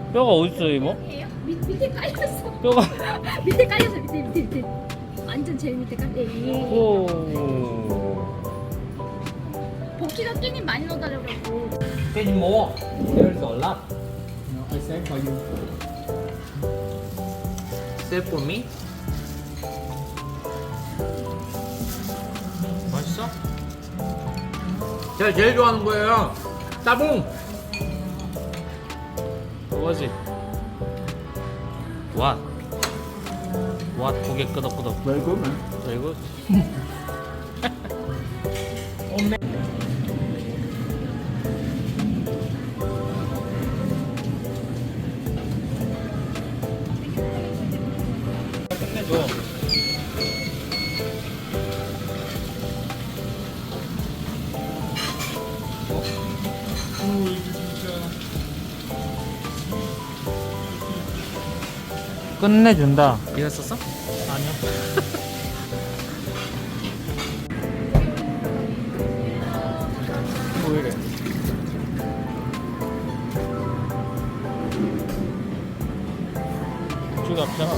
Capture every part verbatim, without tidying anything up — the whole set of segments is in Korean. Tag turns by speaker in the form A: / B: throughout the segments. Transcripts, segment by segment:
A: 뼈가 어딨어 이모?
B: 해요? 밑, 밑에 깔렸어.
A: 뼈가
B: 밑에 깔렸어. 밑에 밑에 밑에. 완전 제일 밑에 깔려. 예.
A: 오.
B: 복귀가 끼니 많이 넣어달라고.
C: Can more? There's a lot.
D: No, I save for you.
C: Save for me? 맛있어? 제가 제일 좋아하는 거예요. 따봉.
A: 그거지. 와. 와, 두 개 끄덕끄덕.
D: Very good, man.
A: 그리고 끝내줘.
D: 오, 이거 진짜.
A: 끝내준다.
C: 이거 썼어?
A: 아니요.
C: 왜 이래?
A: 저기 앞이잖아.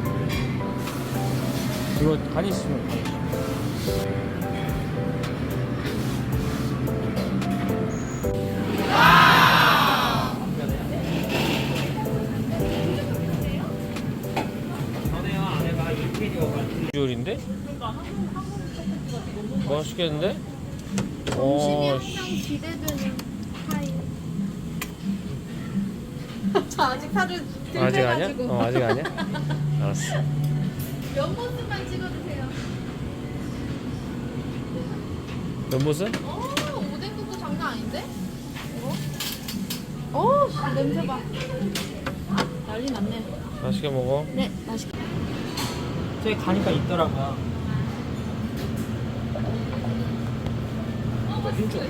A: 이거 간 있으면 간 있어.
C: 전에요 아내가 인테리어가
A: 비주얼인데? 맛있겠는데?
B: 점심이
A: 어,
B: 항상
A: 씨.
B: 기대되는 타임.
E: 저 아직 사진
A: 아직 아니야? 어, 아직 아니야? 알았어.
E: 몇 모습만 찍어주세요.
A: 연못은?
E: 어, 오뎅국도 장난 아닌데? 어? 어, 씨, 냄새 봐. 난리 났네.
A: 맛있게 먹어.
B: 네, 맛있게.
C: 저기 가니까 있더라고요. 힘줘.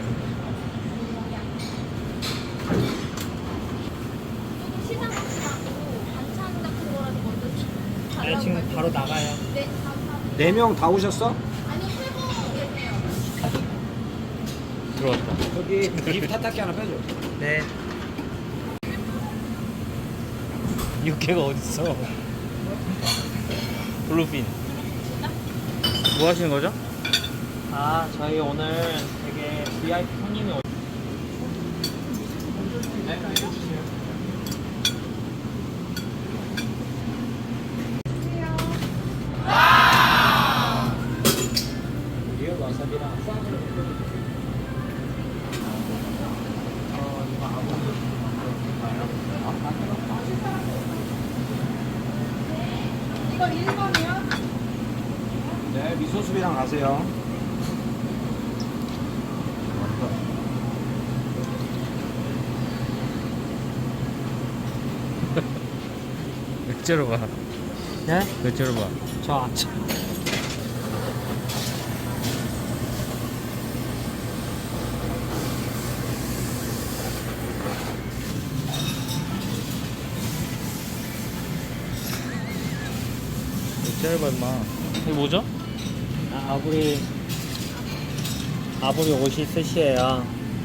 B: 시장 같지 않고 반찬 같은 거라도 먼저
C: 아니 지금 바로 나가요.
B: 네, 감사합니다.
D: 네 명 다 오셨어?
B: 아니요, 세분이에요.
A: 들어왔다.
D: 저기 립 타타키 하나 빼줘.
C: 네.
A: 육개가 어딨어? 블루핀. 뭐 하시는 거죠?
C: 아 저희 오늘 되게 브이아이피 손님이 오.
D: 리얼 와사비랑 쌈으로
E: 이거 일 번이요?
D: 네, 미소수비랑 가세요.
A: 맥주로 봐.
C: 네?
A: 맥주로 봐.
C: 저 아침.
A: 맥주를 봐, 임마. 이거 뭐죠?
C: 아, 아부리 아부리 옷이 스시예요.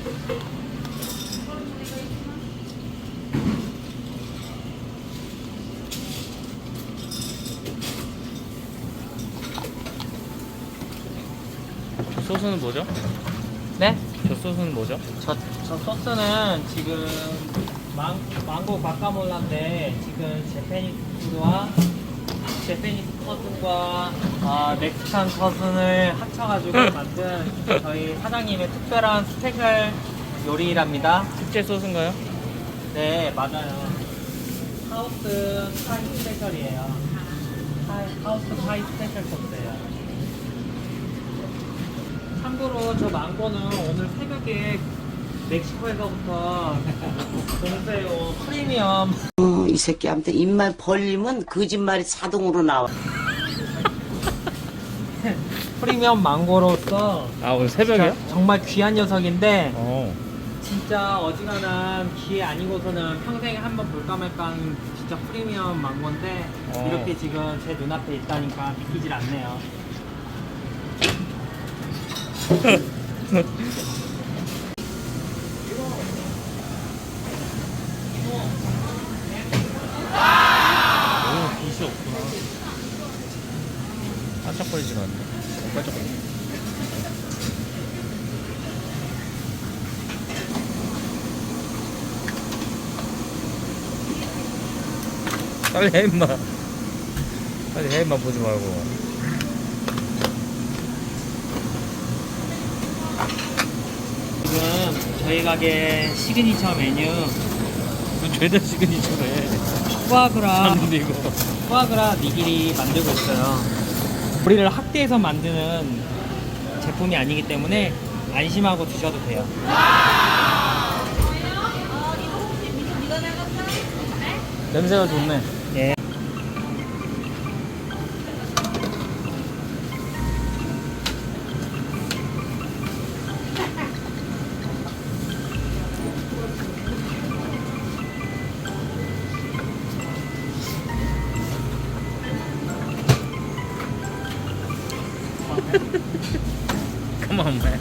A: 소스는 뭐죠?
C: 네?
A: 저 소스는 뭐죠?
C: 저, 저 소스는 지금 망, 망고 바카몰라인데 지금 제페니스 푸드와 제페니스 커슨과 아, 멕시칸 커슨을 합쳐가지고 만든 저희 사장님의 특별한 스페셜 요리랍니다.
A: 특제 소스인가요?
C: 네, 맞아요. 하우스 파이 스페셜이에요. 하이, 하우스 파이 스페셜 소스예요. 참고로 저 망고는 오늘 새벽에 멕시코에서부터 공세요 프리미엄
F: 어, 이 새끼한테 입만 벌리면 거짓말이 자동으로 나와.
C: 프리미엄 망고로서
A: 아, 오늘 새벽이요?
C: 진짜 정말 귀한 녀석인데
A: 어.
C: 진짜 어지간한 기회 아니고서는 평생에 한 번 볼까 말까한 진짜 프리미엄 망고인데
A: 어.
C: 이렇게 지금 제 눈앞에 있다니까 믿기질 않네요.
A: 반짝거리지가 않네. 반짝거리. 빨리 해 임마. 빨리 해 임마 보지 말고.
C: 지금 저희 가게 시그니처 메뉴
A: 그 죄다 시그니처래.
C: 푸아그라
A: 봤는데 이거.
C: 푸아그라 니기리 만들고 있어요. 고리를 학대해서 만드는 제품이 아니기 때문에 안심하고 드셔도 돼요.
A: 냄새가 좋네.
C: 예.
A: Come on, man.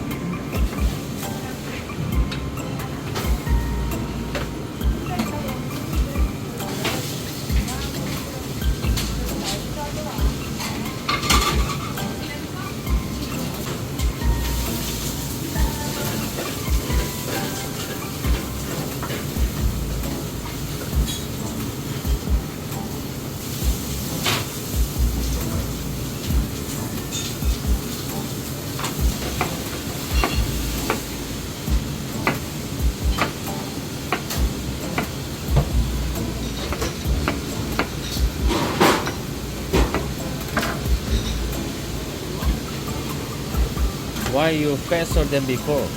A: Why you faster than before?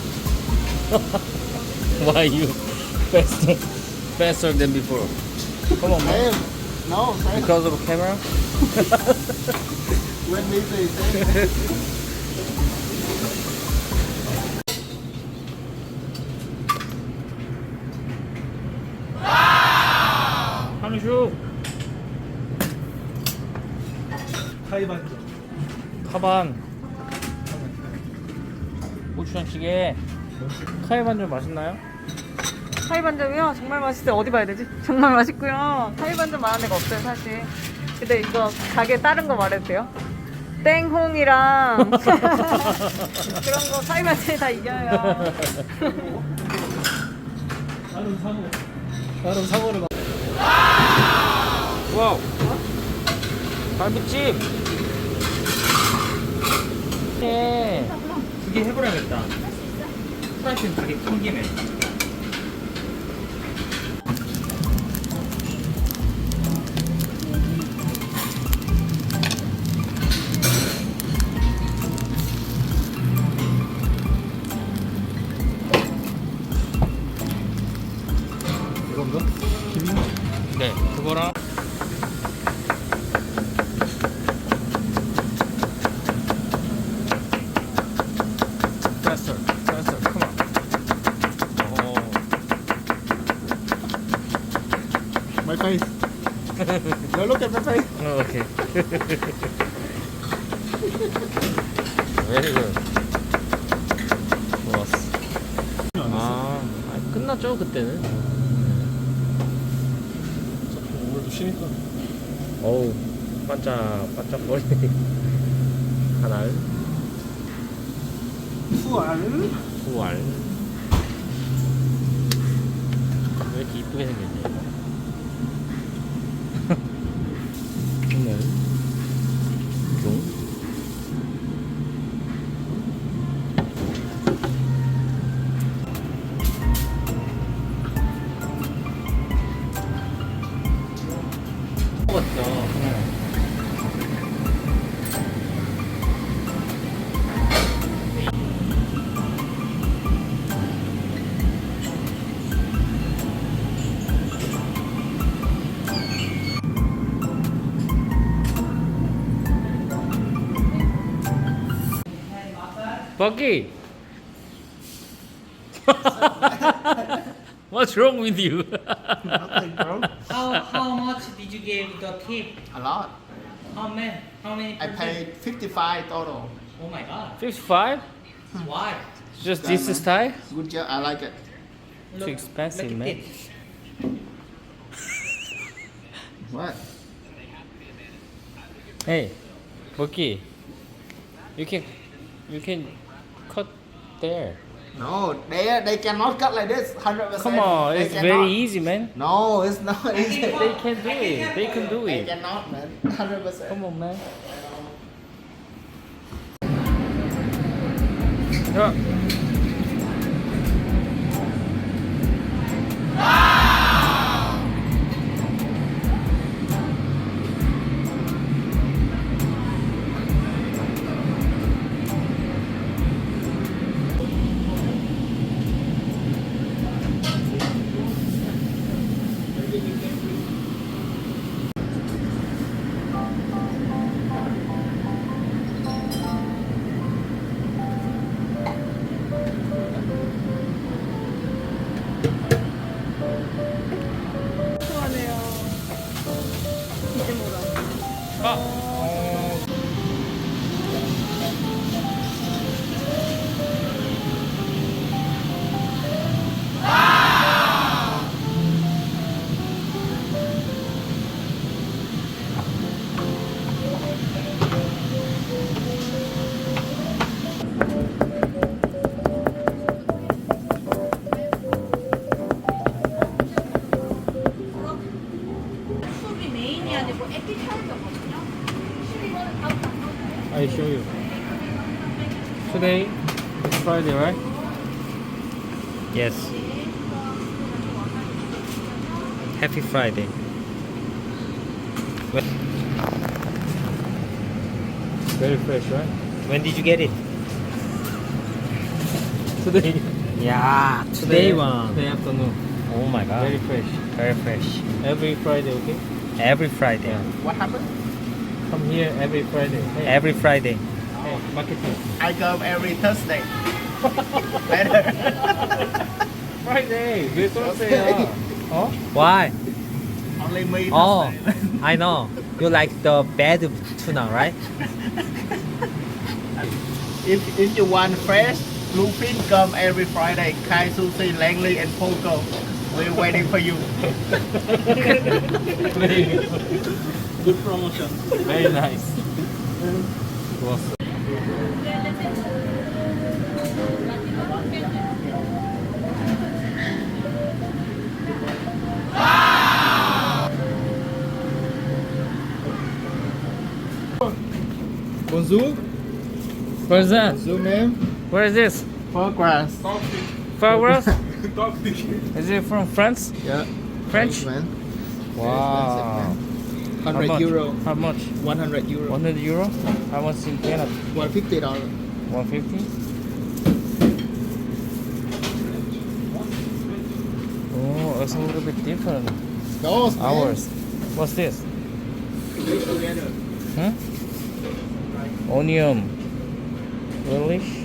A: Why you faster faster than before? Come on, man.
G: No, same.
A: Because of camera?
G: When we say same.
A: 한슈
C: 타이반죠.
A: 카반 고추장찌개 카이반젓 맛있나요?
E: 타이반점이요? 정말 맛있어요. 어디 봐야 되지? 정말 맛있고요. 타이반점 말하는 데가 없어요, 사실. 근데 이거 가게 다른 거 말해도 돼요? 땡홍이랑 그런 거 타이반점이 다 이겨요.
C: 나름 상호. 나름 상호를 막.
A: 와우 갈비찜 네.
C: 두개 해버려야겠다. 프라이팬 두개 큰 김에. 이건가? 김이?
A: 네 그거랑 faster faster come on 어.
G: My face. No, look at my face.
A: 어, 오케이 very good 좋았어 아 아니, 끝났죠 그때는
G: 오늘도 쉬니까.
A: 어우 반짝 반짝거리네 하나
G: 투알.
A: 후알 왜 이렇게 이쁘게 생겼냐 오늘 종
C: 먹었죠.
A: Bucky what's wrong with you
G: Nothing, bro.
C: How how much did you give the tip?
G: A lot.
C: How many? How many?
G: I paid fifty-five total.
C: Oh my god.
A: fifty-five
C: Why?
A: just this style
G: Good job. I like it.
A: too expensive man
C: this.
G: What?
A: hey 먹기. You can you can cut there.
G: No, they they cannot cut like this. Hundred percent.
A: Come on,
G: They
A: it's
G: cannot.
A: very easy, man.
G: No, it's not easy.
A: They can do it. They can do
G: They
A: it.
G: cannot, man. Hundred percent.
A: Come on, man. 자.
E: 좋아하네요. 이제모다.
A: 아. 어.
B: 수업이 메인이 아니고 에피타이저거든요. 이거는 다음 장
A: I show you. Today is Friday, right? Yes. Happy Friday. When- Very fresh, right? When did you get it? Today.
C: 야,
A: Today
C: one.
A: Today afternoon.
C: Oh my god.
A: Very fresh. Very fresh. Every Friday, okay? Every Friday.
G: What happened?
A: Come here every Friday. Every Friday. Hey, marketing.
G: I come every Thursday. Better.
A: Friday. 왜 Thursday야? 어? Why?
G: Only me.
A: Oh,
G: Thursday.
A: I know. You like the bad tuna, right?
G: If if you want fresh, bluefin come every Friday. Kai Sushi, Langley, and Poco. We're waiting for you. Good promotion.
A: Very nice. 좋았어.
G: Bonjour.
A: Where's that?
G: Bonjour, ma'am.
A: Where is this?
G: Progress.
A: Flowers? Is it from France?
G: Yeah.
A: French?
G: man.
A: Wow. How
G: Hundred
A: much?
G: euro.
A: How much?
G: One hundred euro.
A: one hundred euro? How much in Canada?
G: One fifty dollar.
A: one fifty? Oh, it's a little bit different.
G: Those man.
A: Ours. What's this? Huh? Onion. Relish.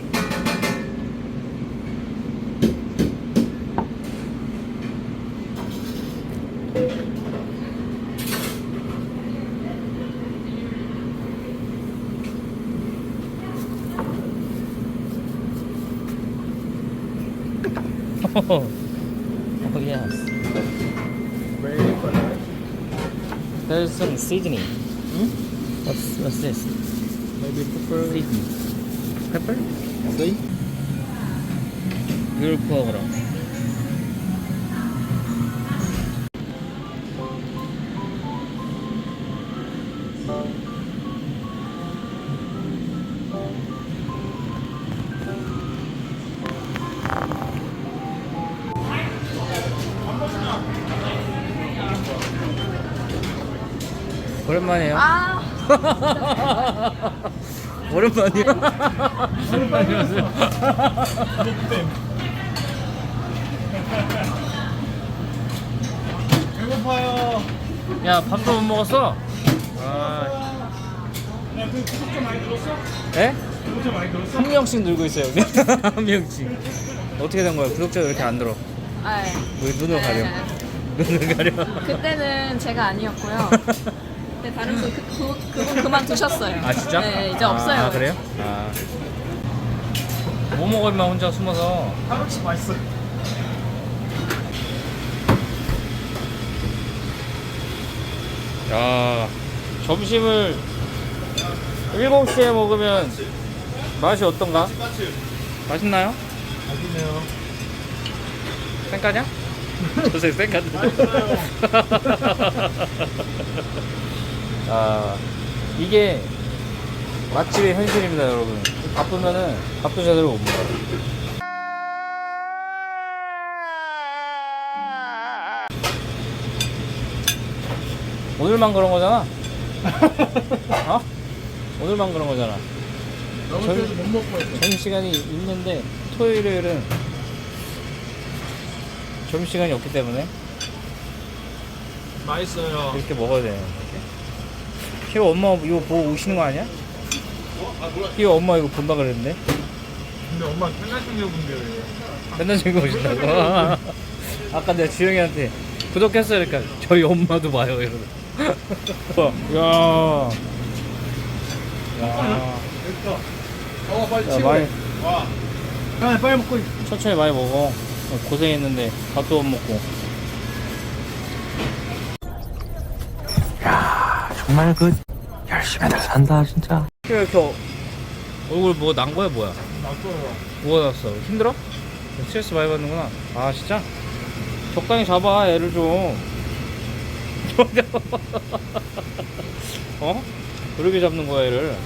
A: Oh, oh yes.
G: Very good.
A: There's some seasoning.
G: Hmm?
A: What's what's this?
G: Maybe pepper.
A: Seasoning. Pepper?
G: See?
A: 물 부어 그럼. 오랜만이에요.
B: 아,
A: 오랜만이야. 안녕하세요.
G: 배고파요.
A: 야, 밥도 못 먹었어? 아.
G: 야, 그 구독자 많이 늘었어?
A: 에?
G: 구독자 많이 늘었어?
A: 한 명씩 늘고 있어요. 한 명씩. 어떻게 된 거야? 구독자가 왜 이렇게 안 들어?
B: 네.
A: 왜 눈을 가려?
B: 네.
A: 눈을 가려.
B: 그때는 제가 아니었고요. 근데 다른 분, 그, 그, 그분 그만두셨어요.
A: 아 진짜?
B: 네, 이제
A: 아,
B: 없어요.
A: 아 그래요? 아. 뭐 먹을 만 혼자 숨어서.
G: 하루치 맛있어.
A: 야, 점심을 일곱 시에 먹으면 맛이 어떤가? 맛있나요?
G: 맛있네요.
A: 쌩까냐? 저새 쌩까냐? 아, 이게 맛집의 현실입니다, 여러분. 바쁘면은 밥도 제대로 못 먹어요. 오늘만 그런 거잖아. 어? 오늘만 그런 거잖아.
G: 너무
A: 전-
G: 그래서 못 먹고 있어.
A: 점심시간이 있는데 토요일, 일요일은 점심시간이 없기 때문에
G: 맛있어요.
A: 이렇게 먹어야 돼요. 이렇게. 희호 엄마 이거 보고 오시는 거 아니야? 희호 엄마 이거 본다 그랬는데
G: 근데 엄마 맨날 챙겨본대요.
A: 맨날 즐거 오신다고. 아까 내가 주영이한테 구독했어요 그러니까 저희 엄마도 봐요 이러고. 야, 야,
G: 어 빨리
A: 야
G: 치고.
A: 많이
G: 와. 빨리 빨리 먹고.
A: 천천히 많이 먹어. 고생했는데 밥도 못 먹고.
C: 정말 그 열심히들 산다 진짜.
A: 희호 이렇게 어- 얼굴 뭐 난 거야 뭐야?
G: 놨어요.
A: 뭐가 났어? 힘들어? 스트레스 많이 받는구나. 아 진짜? 적당히 잡아 애를 좀. 어? 그렇게 잡는 거야 애를.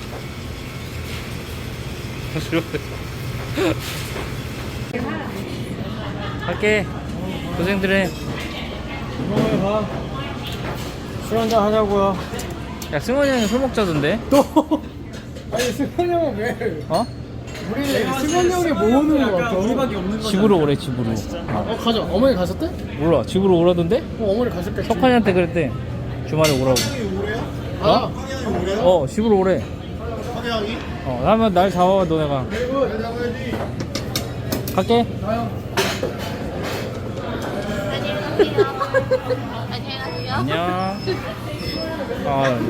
A: 갈게. 고생들 해.
G: 오늘 가. 술 한잔 하자고요.
A: 야 승원이 형이 술 먹자던데?
G: 또. 아니 승환 형은 왜?
A: 어?
G: 우리 승환 형이 모으는 거 같아. 우리밖에 없는 거.
A: 집으로 오래 집으로.
G: 어 가자. 어머니 가셨대?
A: 몰라 집으로 오라던데?
G: 어 어머니 가셨겠지.
A: 석환이한테 그랬대. 주말에 오라고.
G: 아.
A: 어 집으로 오래. 어 나면 날 잡아 너네가. 갈게.
B: 안녕히 가세요.
A: 안녕. 어.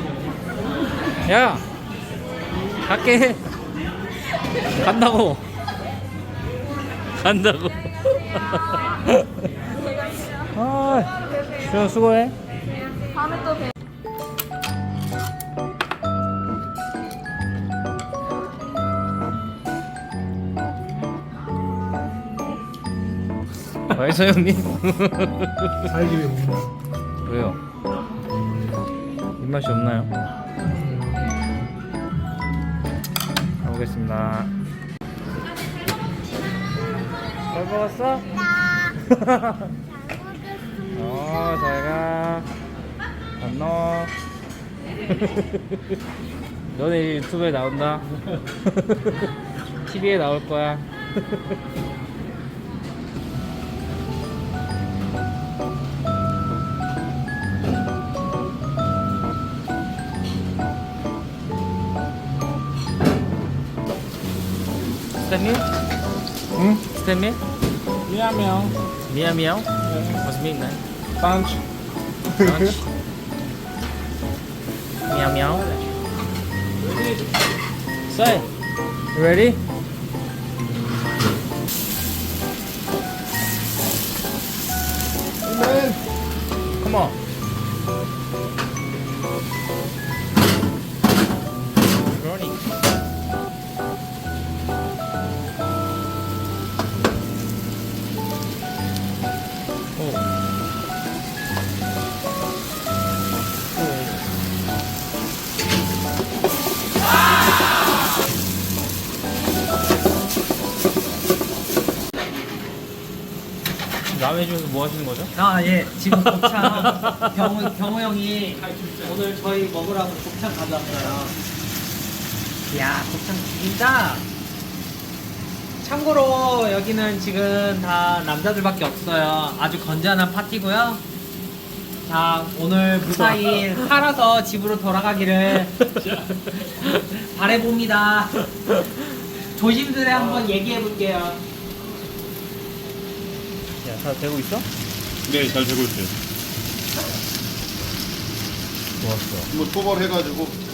A: 야 갈게. 간다고. 간다고. 아, 수영 수고해.
B: 다음에 또 봬요.
A: 맛있어 형님.
G: 살기 위해 먹는.
A: 왜요? 입맛이 없나요? 가보겠습니다. 잘 먹었어? 어, 잘가. 안녕. 너네 유튜브에 나온다. 티비에 나올 거야. 스탠미?
G: 응?
A: 스탠미?
G: 미안해요.
A: 미야 미야오? What's mean that?
G: 딴치.
A: Lunch? Meow meow. Say, you ready? Come on. Running. Oh. 남의 집에서 뭐 하시는 거죠?
C: 아, 예. 지금 곱창 경우 경우 형이 오늘 저희 먹으라고 곱창 가져왔어요. 이야, 곱창 죽인다. 참고로 여기는 지금 다 남자들밖에 없어요. 아주 건전한 파티고요. 자, 오늘 무사히 살아서 집으로 돌아가기를 바래봅니다. 조심스레 한번 얘기해 볼게요.
A: 야, 다 되고 있어?
H: 네, 잘 되고 있어요.
A: 좋았어.
H: 뭐 초벌해가지고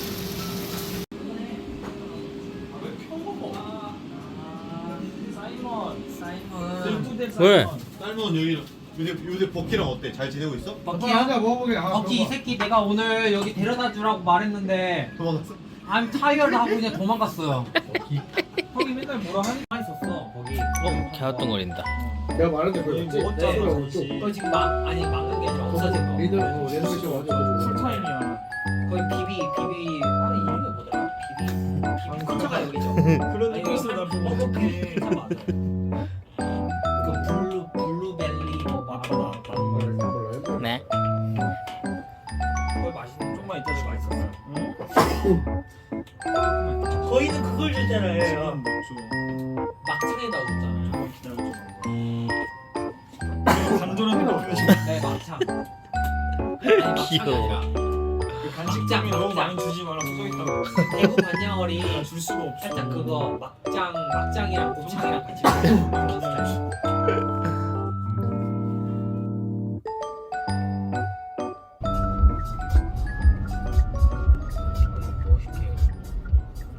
A: 왜?
H: 삶은 여기 요새 요새 버키랑 어때? 잘 지내고 있어?
C: 버키야?
G: 먹어보게. 아,
C: 버키 이 새끼 내가 오늘 여기 데려다 주라고 말했는데
H: 도망갔어?
C: I'm tired 하고 그냥 도망갔어요. 형이 맨날 뭐라 하니 있었어 거기.
A: 어? 개활동거린다.
G: 내가 말했는데 그거 못 짜서
C: 그거 지금 막 아니 막는 게 아니라 없어진 거.
G: 리더 레노베이션 와가지고
C: 풀타임이야. 거기 비비 비비 아 이름이 뭐더라? 비비 비비 근처가 여기죠.
D: 그런
C: 느낌에서 나 보고 비비 근처 맞아. 그 블루 블루벨리 뭐 맞다 맞다.
A: 네.
C: 그걸 맛있는 좀만 있다도 맛있었어.
I: 저희는 그걸 줬잖아요.
C: 막창에다 줬잖아요.
D: 간도는 거.
C: 네 막창. 아니 막창이
A: 귀여워.
C: 아니라
D: 간식장이 너무 많이 주지 말라 써 있다고.
C: 대구 반야월이
D: 줄 수가 없어.
C: 살짝 그거 막장 막장이랑 곱창이랑 같이 먹는 그런 스타일.